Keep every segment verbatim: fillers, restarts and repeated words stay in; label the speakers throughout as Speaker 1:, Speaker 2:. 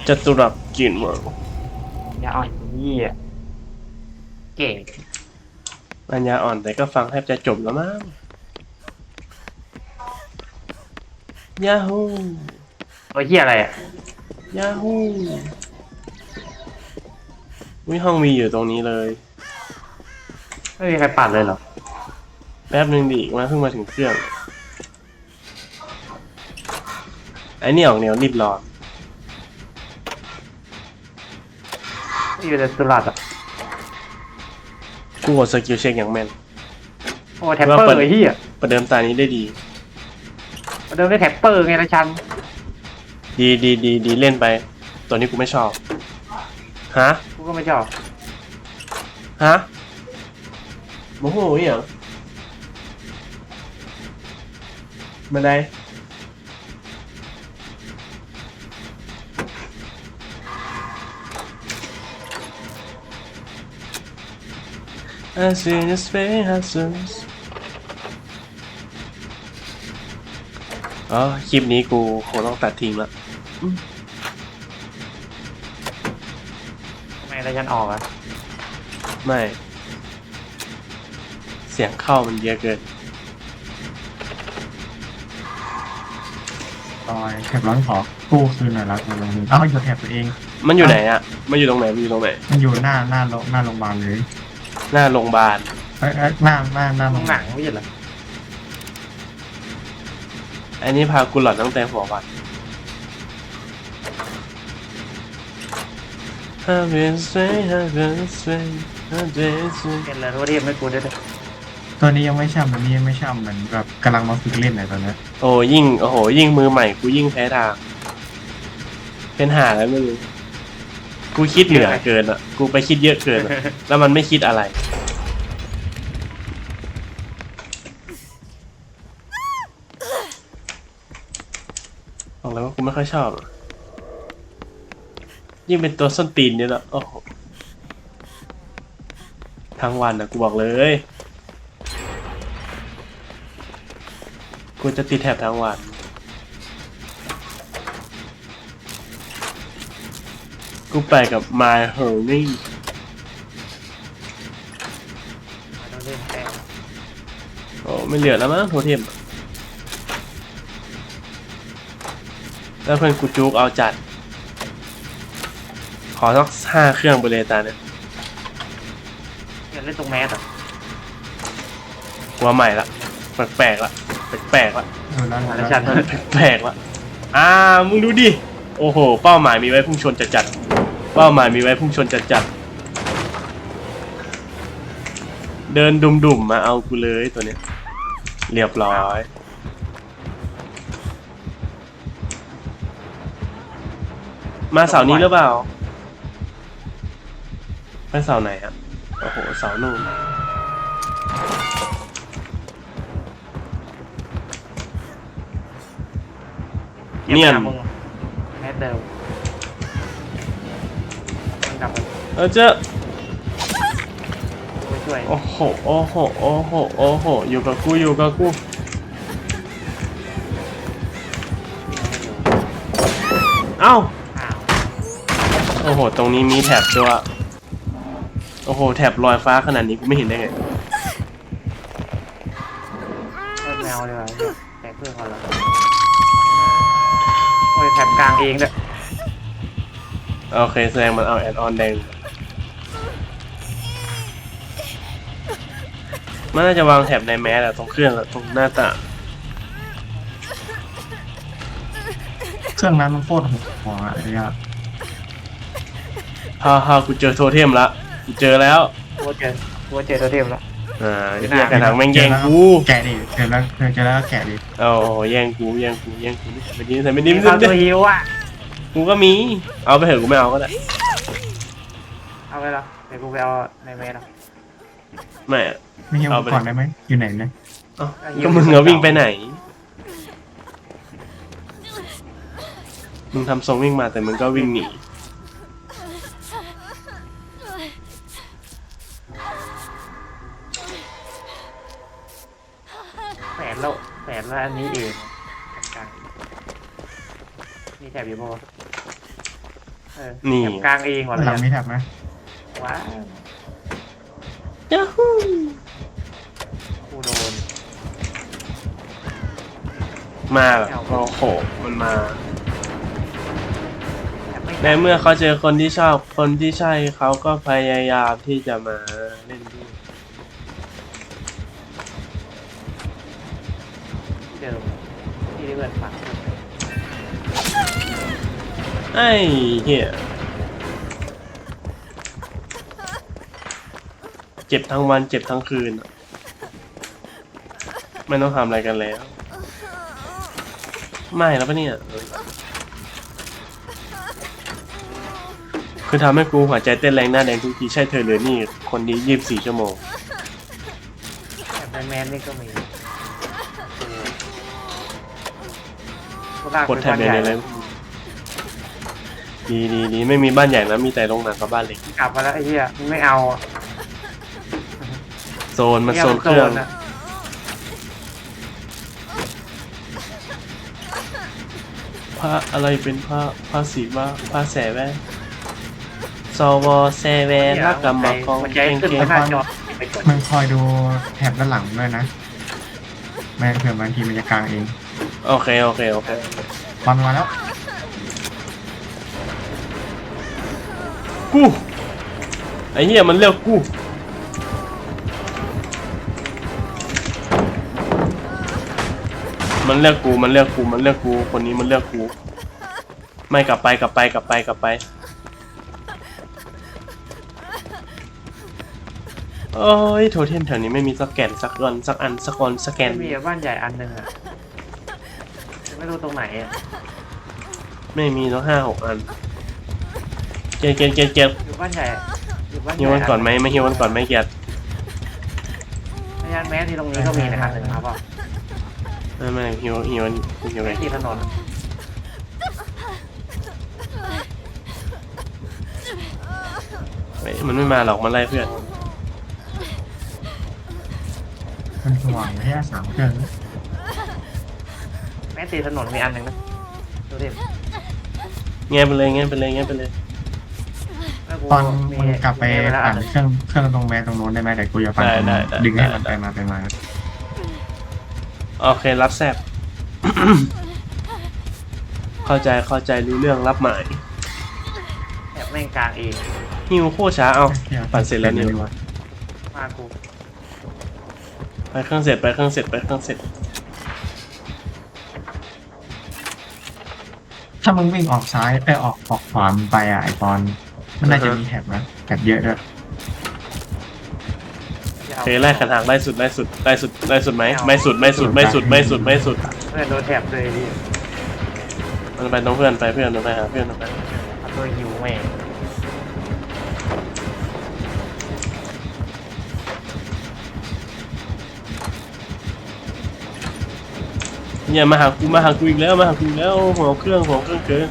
Speaker 1: จตุรัสกินเวิร์
Speaker 2: อย่าอ่อนยี่อ่ะเก่ง
Speaker 1: ปัญญาอ่อนแต่ก็ฟังแทบจะจบแล้วมั้งยาฮู
Speaker 2: ตัวเฮียอะไรอ่ะ
Speaker 1: ยาฮูวิห้องมีอยู่ตรงนี้เลย
Speaker 2: ไม่มีใครปัดเลยเหรอ
Speaker 1: แป๊บหนึ่งดิมาเพิ่งมาถึงเครื่องไอ้นี่ออกแนวรีบร้อน
Speaker 2: อยู่ในตุลาดอ่ะ
Speaker 1: กูกดสกิลเช็คอย่างแม่น
Speaker 2: โอ้แท็ปเปอร์ไอ้เฮีย
Speaker 1: ประเดิมตานี้ได้ดี
Speaker 2: ประเดิมได้แท็ปเปอร์ไงนะชัน
Speaker 1: ดีดีดีดีเล่นไปตัวนี้กูไม่ชอบฮะ
Speaker 2: กูก็ไม่ชอบ
Speaker 1: ฮะโมโหอย่างมาได้As in his face อ๋อคลิปนี้กูคงต้องตัดทิ้งละ
Speaker 2: ทำไมอะไรฉันออกอ่ะ
Speaker 1: ไม่เสียงเข้ามันเยอะเกิน
Speaker 3: ตอยแถบร้อนขอกู้คืนหน่อยละมันลงนึงเอ้าอยู่แถบตัวเอง
Speaker 1: มันอยู่ไหนอ่ะมันอยู่ตรงไหนมันอยู่ตรงไหน
Speaker 3: มันอยู่หน้าหน้าโรงหน้าโรงพยาบาลเลย
Speaker 1: หน้าโรงพยาบาล
Speaker 3: เอ้ยหน้าหน้าหน้าโร
Speaker 2: ต้อง งหนังไม่ใช่เหรอ
Speaker 1: อันนี้พากูหลอนตั้งแต่หัววัน I've been straight I've been straight I've been straight
Speaker 2: เป็นอะไรทั่วเทียมไม่กูได้เลย
Speaker 3: ตัวนี้ยังไม่ช่ำตัวนี้ยังไม่ช่ำเหมือนแบบกำลังมาฝึกเล่นไหนตอนนี้
Speaker 1: โอ้ยิ่งโอ้โหยิ่งมือใหม่กูยิ่งแพ้ทางเป็นหาแล้วไม่รู้กูคิดเหนือเกินอ่ะกูไปคิดเยอะเกินอะแล้วมันไม่คิดอะไรบอกเลยว่ากูไม่ค่อยชอบยิ่งเป็นตัวส้นตีนเนี่ยแหละโอ้โหทั้งวันนะกูบอกเลยกูจะติดแถบทั้งวันกูไปกับ My Honey
Speaker 2: เราเล่นแป้ง
Speaker 1: โอ้ไม่เหลือแล้วมั้งโทเทมแล้วเพื่อนกูจุกเอาจัดขอสักห้าเครื่องไปเลยตาเนี่ย
Speaker 2: อยากเล่นตรงแมสอ่ะ
Speaker 1: หัวใหม่ละแปลกๆละแปลกๆละ
Speaker 3: เออแล้ว
Speaker 2: แล้
Speaker 3: แล้ว ว
Speaker 2: ชัน
Speaker 1: แปลกๆละอ่ามึงดูดิโอ้โหเป้าหมายมีไว้พุ่งชนจัดจัดเป้าหมายมีไว้พุ่งชนจัดจัดเดินดุ่มๆมาเอากูเลยตัวเนี้ยเรียบร้อยมาเสาร์นี้หรือเปล่าไปเสาร์ไหนอ่ะโอ้โหเสาร์นู่นเนียน
Speaker 2: แมสเดิมมันกลับมา
Speaker 1: เออเจ้า
Speaker 2: ช่วย
Speaker 1: โอ้โหโอ้โหโอ้โหโอ้โหอยู่กับกูอยู่กับกูเอ้า
Speaker 2: อ้าว
Speaker 1: โอ้โหตรงนี้มีแถบด้วยโอ้โหแถบลอยฟ้าขนาดนี้กูไม่เห็นได้ไง
Speaker 2: แมวเลยว่ะแตกเพื่อนเขาแล้วโอ้ยแถบกลางเองด้วย
Speaker 1: โอเคแสดงมันเอาแอดออนแดงมันน่าจะวางแถบในแมสอะตรงเครื่องอะตรงหน้าต่าง
Speaker 3: เครื่องนั้นมันโคตรหัวอะไรอ่ะ
Speaker 1: ฮ่าฮ่ากูเจอโทเทมละกูเจอแล้ว
Speaker 2: กูเจอกูเจอตัวเทมแล้ว
Speaker 1: อ่าเรียกกระถางแม่งแย่งกู
Speaker 3: แกะดิเจอแล้วเจอแล้วแกะดิ
Speaker 1: โอ้โหแย่งกูแย่งกูแย่งกูไม่ดีไม่ดีไม่ดี
Speaker 2: เอาตัวฮิวอ่ะ
Speaker 1: กูก็มีเอาไปเถอะกูไม่เอาก็ได้
Speaker 2: เอาไปแล้วเดี๋ยวกูไปเอาในเมสอ่ะ
Speaker 1: ไม่
Speaker 3: ไม่ให้ผมก่อนได้ไหมอยู่ไหนเนี่ย
Speaker 1: ก็มึงเอาวิ่งไปไหนมึงทำทรงวิ่งมาแต่มึงก็วิ่งหนี
Speaker 2: แฝดแล้วแฝดแล้วอันนี้เองมีแถบอยู่ปะเออ
Speaker 1: นี่
Speaker 2: แถบกลางเองก่อนเล
Speaker 3: หลัง
Speaker 2: ย
Speaker 3: มีแท็บไหม
Speaker 2: ว้าว
Speaker 1: ยาฮู
Speaker 2: กูโดน
Speaker 1: มาแบบโอ้โหมันมา
Speaker 2: แถบไม่
Speaker 1: ในเมื่อเขาเจอคนที่ชอบคนที่ใช่เขาก็พยายามที่จะมาเล่นด้วย
Speaker 2: เดิมที่ได้เพื่อนฝัง
Speaker 1: ไอ้เหี้ยเจ็บทั้งวันเจ็บทั้งคืนอะไม่ต้องทำอะไรกันแล้ว ไม่แล้วปะเนี่ยคือทำให้กูหัวใจเต้นแรงหน้าแดงทุกทีใช่เธอหรือนี่คนนี้ยี่สิบสี่ชั่วโมง
Speaker 2: แถบแมนแมนนี่ก็มีกูลาก
Speaker 1: กด
Speaker 2: ไป
Speaker 1: แท็บ
Speaker 2: บ้าน
Speaker 1: ใน
Speaker 2: ใหญ่
Speaker 1: ในเลยดีดีดีไม่มีบ้านใหญ่นะมีแต่โรงหนังกับบ้านเล็ก
Speaker 2: กลับมาแล้วไอ้เหี้ยมึงไม่เอาอะ
Speaker 1: โซนมาโซนเครื่อง
Speaker 2: นี่ยมันโซนอะ
Speaker 1: พระอะไรเป็นพระพระศิวะพระแสแวะสวแสแวะรักกับมาของ
Speaker 2: มันใจ
Speaker 1: เก่ง
Speaker 2: ขึ้น
Speaker 1: เก่ง
Speaker 2: มาหน้าจอไปกด
Speaker 3: มึงคอยดูแท็บด้านหลังด้วยนะแม่เผื่อบางทีมันจะกลางเอง
Speaker 1: โอเคโอเคโอเค
Speaker 3: บอลมาแล้ว
Speaker 1: กูไอ้เหี้ยมันเรียกกูมันเรียกกูมันเรียกกูมันเรียกกูคนนี้มันเรียกกูไม่กลับไปกลับไปกลับไปกลับไปโอ้ยโทเทมแถวนี้ไม่มีสักแกนสักอนสักอันสักคนสักแกน
Speaker 2: ไม่มีอะบ้านใหญ่อันหนึ่งอะแต่ไม่รู้ตรงไหนอะ
Speaker 1: ไม่มีต้องห้าหกอันเกียร์เกียร์เกียร์เกียร์
Speaker 2: อยู่บ้านใหญ่อยู่บ้านให
Speaker 1: ฮิ
Speaker 2: ญ่
Speaker 1: ววันก่อนไหมไม่ฮิววันก่อนไหมเกียร์
Speaker 2: พยานแม้ที่ตรงนี้ก็มีนะครับหนึ่งครับว่า
Speaker 1: ไม่ไม่ฮิวฮิวฮิวไง
Speaker 2: ไม่ที่ถนนอะ
Speaker 1: เฮ้ยมันไม่มาหรอกมันไล่เพื่อน
Speaker 3: มันห่วงแค่สามเครื่อง
Speaker 2: แม้ตีถนนมีอันหนึ่งนะดูดิ
Speaker 1: แง่ไปเลยแง่ไปเลยแง่ไปเลย
Speaker 2: แล้วกู
Speaker 3: ตอน
Speaker 2: มี
Speaker 3: มึงกลับไป
Speaker 2: มีเวลาอั
Speaker 3: ปั่
Speaker 2: น
Speaker 3: น
Speaker 2: หนึ่ง
Speaker 3: เครื่องเครื่องตรงแม่ตรงโน้นได้ไหมแต่กูจะปั่นตรงนู้นดึงให้มันไปมาไปมา
Speaker 1: โอเครับแซบ เข้าใจเข้าใจรู้เรื่องรับหมาย
Speaker 2: แอบแม่งกลางเอง
Speaker 1: ฮิวโคตรช้าเอาปั่นเสร็จแล้วนี่
Speaker 2: มากู
Speaker 1: ไปเครื่องเสร็จไปเครื่องเสร็จไปเครื่องเสร็จ
Speaker 3: ถ้ามึงวิ่งออกซ้ายไปออกออกขวามึงไปอ่ะไอปอนมันน่าจะมีแท็บนะแท็บเยอะด้วย
Speaker 2: จะ
Speaker 1: โอ
Speaker 2: เอา
Speaker 1: เคไล่ขันหางไล่สุดไล่สุดไล่สุดไล่สุดไหมไม่สุดไม่สุดไม่สุดไม่สุดไม่สุด
Speaker 2: เพื่อนโดนแถบเลยดิ
Speaker 1: มันไปต้องเพื่อนไปเพื่อนมันไปหาเพื่อนมันไป
Speaker 2: เอาตัวหิวแม่ง
Speaker 1: เนี่ยมาหากูมาหากูอีกแล้วมาหากูอีกแล้วหัวเครื่องหัวเครื่องเกิน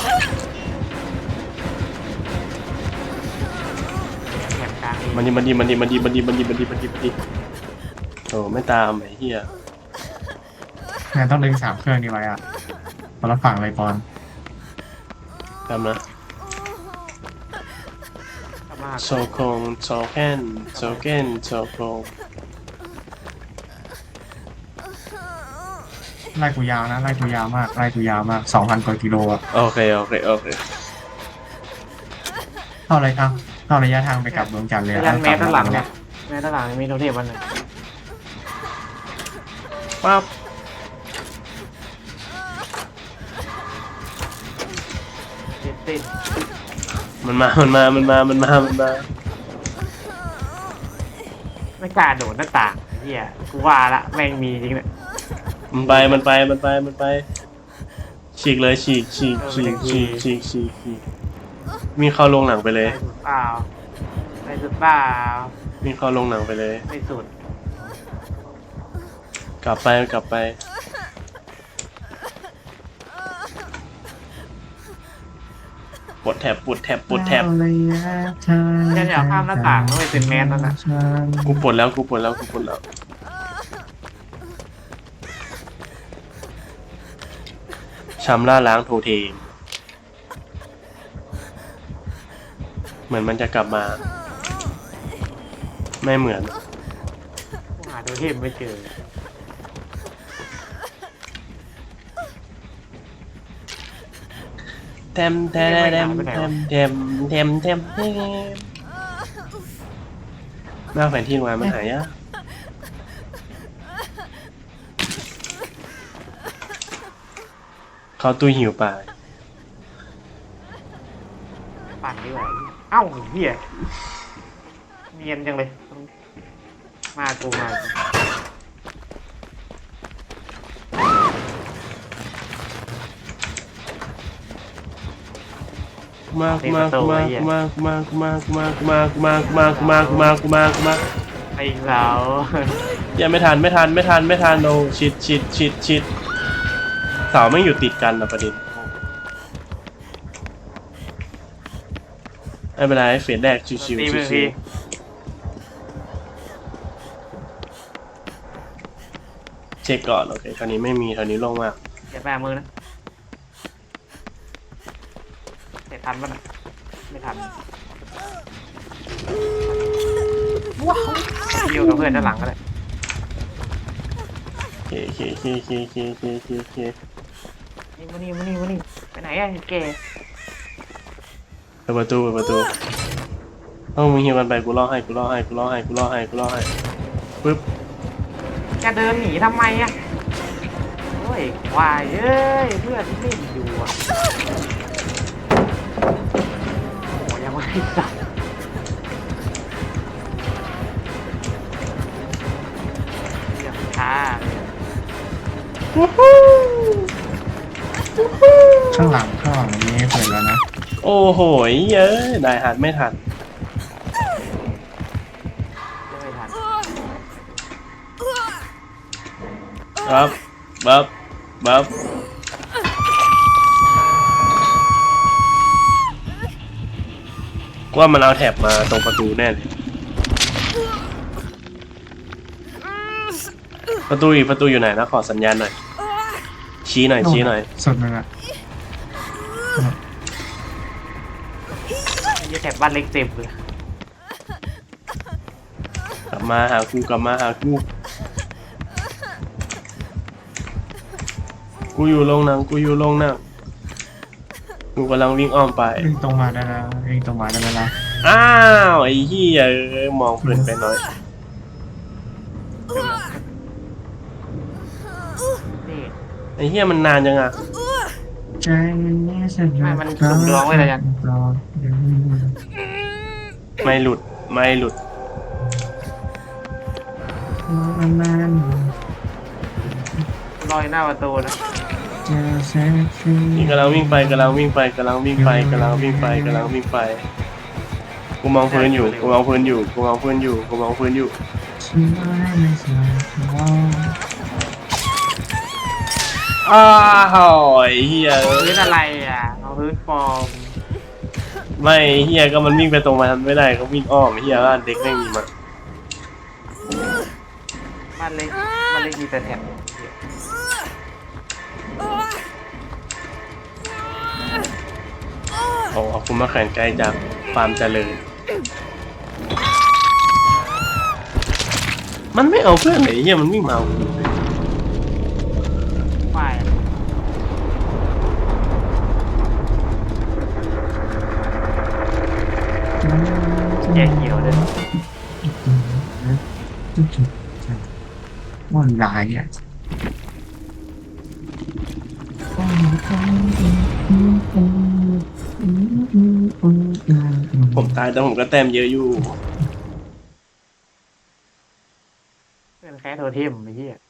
Speaker 2: แถบกลางเอง
Speaker 1: มันดีมันดีมันดีมันดีมันดีมันดีมันดีมันดีมันดีโอ้ไม่ตามไอ้เหี้ย
Speaker 3: งั้นต้องดึงสามเครื่องนี้ไว้อ่ะคนละฝั่งเลยปอน
Speaker 1: ตามนะ
Speaker 2: กลับมา
Speaker 1: โซโคงโซแคนโซเกนโซโคง
Speaker 3: ไล่กูยาวนะไล่กูยาวมากไล่กูยาวมากสองพันกว่ากิโลอ่ะ
Speaker 1: โอเคโอเคโอเค
Speaker 3: เท่าไรครับเท่าระยะทางไปกลับดวงจันทร์เลย
Speaker 2: พ
Speaker 3: อะ
Speaker 2: ยานแม้ด้านหลังเนี่ยแม้ด้านหลังมีโดนเทปอันหนึ่ง
Speaker 1: ปั๊บ
Speaker 2: ติดติด
Speaker 1: มันมามันมามันมามันมามันมา
Speaker 2: ไม่กล้าโดดหน้าต่างไอ้เฮียกูว่าละแม่งมีจริงเนี่ย
Speaker 1: มันไปมันไปมันไปมันไปฉีกเลยฉีกฉีกฉีกฉีกฉีกฉีกฉีกมีเข้าโรงหนังไปเลย
Speaker 2: ไปสุดเปล่าไปสุดเปล่า
Speaker 1: มีเข้าโรงหนังไปเลย
Speaker 2: ไม่สุด
Speaker 1: กลับไปกลับไปปวดแถบปวดแถบปวดแถบ
Speaker 2: ฉันอยากข้ามหน้าต่างด้วยเป็นแมสนั่นน่ะ
Speaker 1: กูปวดแล้วกูปวดแล้วกูปวดแล้วชำระล้างโทเทมเหมือนมันจะกลับมา ไม่เหมือน
Speaker 2: กูหาตัวเทพไม่เจอ
Speaker 1: เทมเทมเทมเทมเทมเทมเทมเทมหน้าแผนที่มามันหายากเขาตู้หิวป่า
Speaker 2: ปั่นดีกว่าเอ้าเหี้ยเนียนจังเลยมากูมากู
Speaker 1: มากมากมากมากมากมากมากมากมากมากมากมากมากมาก
Speaker 2: ไอ้สาว
Speaker 1: อย่าไม่ทันไม่ทันไม่ทันไม่ทันโอ้ชิดชิดชิดชิดเสาไม่อยู่ติดกันนะประเด็นไม่เป็นไรเฟสแรกชิวชิว
Speaker 2: ตี
Speaker 1: ชิ
Speaker 2: เป็
Speaker 1: วน ชิ
Speaker 2: ที
Speaker 1: วเช็คก่อนโอเคคราวนี้ไม่มีคราวนี้ลงมาก
Speaker 2: อย่าแปมือนะเตะทันปะน่ะไม่ทันว้าวอยู่กับเพื่อนด้านหลังก็ได้
Speaker 1: เคเคเคเคเคเคเคเค
Speaker 2: นี่มานี่มานี่มานี่ไปไหนอ่ะแก
Speaker 1: เปิดประตูเปิดประตูต้องมึงหิวกันไปกูล่อให้กูล่อให้กูล่อให้กูล่อให้กูล่อให้ปึ๊บ
Speaker 2: แกเดินหนีทำไมอ่ะโอ้ยวายเอ้ยเพื่อนเล่นอยู่อ่ะโอ้ยังไม่ได้สับเรื่องช้าเลย
Speaker 3: ข้างหลังข้างหลังนี้เปิดแล้วนะ
Speaker 1: โอ้โหเยอะได้หันไม่ทัน
Speaker 2: ไม่ทัน
Speaker 1: บับบับบับว่ามันเอาแถบมาตรงประตูแน่เลยประตูอีกประตูอยู่ไหนนะขอสัญญาณหน่อยชี้หน่อยชี้หน่อย
Speaker 3: สุดเลยนะ
Speaker 2: ไอ้แถบบ้านเล็กเต็มเลย
Speaker 1: กลับมาหากูกลับมาหากูกูอยู่โรงหนังกูอยู่โรงหนังกูกำลังวิ่งอ้อมไป
Speaker 3: วิ่งตรงมาได้แล้ววิ่งตรงมาได้แล้ว
Speaker 1: อ้าวไอ้เหี้ยเอ้ยมองเพลินไปหน่อย
Speaker 2: นี่
Speaker 1: ไอ้เหี้ยมันนานยังอ่ะ
Speaker 3: ใจนี้ฉัน
Speaker 2: ไม่มันสุ่มร้องไว้เลยยัง
Speaker 1: ไม่หลุดไม่หลุด
Speaker 3: มันนาน
Speaker 2: ลอยหน้าประตูนะ
Speaker 3: เจอแสงสี
Speaker 1: นี่กำลังวิ่งไปกำลังวิ่งไปกำลังวิ่งไปกำลังวิ่งไปกำลังวิ่งไปกูมองพื้นอยู่กูมองพื้นอยู่กูมองพื้นอยู่กูมองพื้นอยู่
Speaker 3: ฉันไม่ไม่สวยว่า
Speaker 1: อ้าวไอ้เหี้ย
Speaker 2: พื้นอะไรอ่ะเอาพื้นฟอร์ม
Speaker 1: ไม่ไอ้เหี้ยก็มันวิ่งไปตรงมาทำไม่ได้ก็วิ่งอ้อมไอ้เหี้ยบ้านเด็กไม่มีมา
Speaker 2: บ้านเล็กบ้านเล็กมีแต่แถบ
Speaker 1: โอ้ขอบคุณมาแข่งไกลจากความเจริญมันไม่เอาเพื่อนไหนเหี้ยมันวิ่งมาเอากูเลย
Speaker 2: ฝ่ายแยกเขียวเลย
Speaker 3: มันลายอ่ะ
Speaker 1: ผมตายแต่ผมก็แต้มเยอะอยู่
Speaker 2: เป็นแค่โทเทมไอ้เหี้ย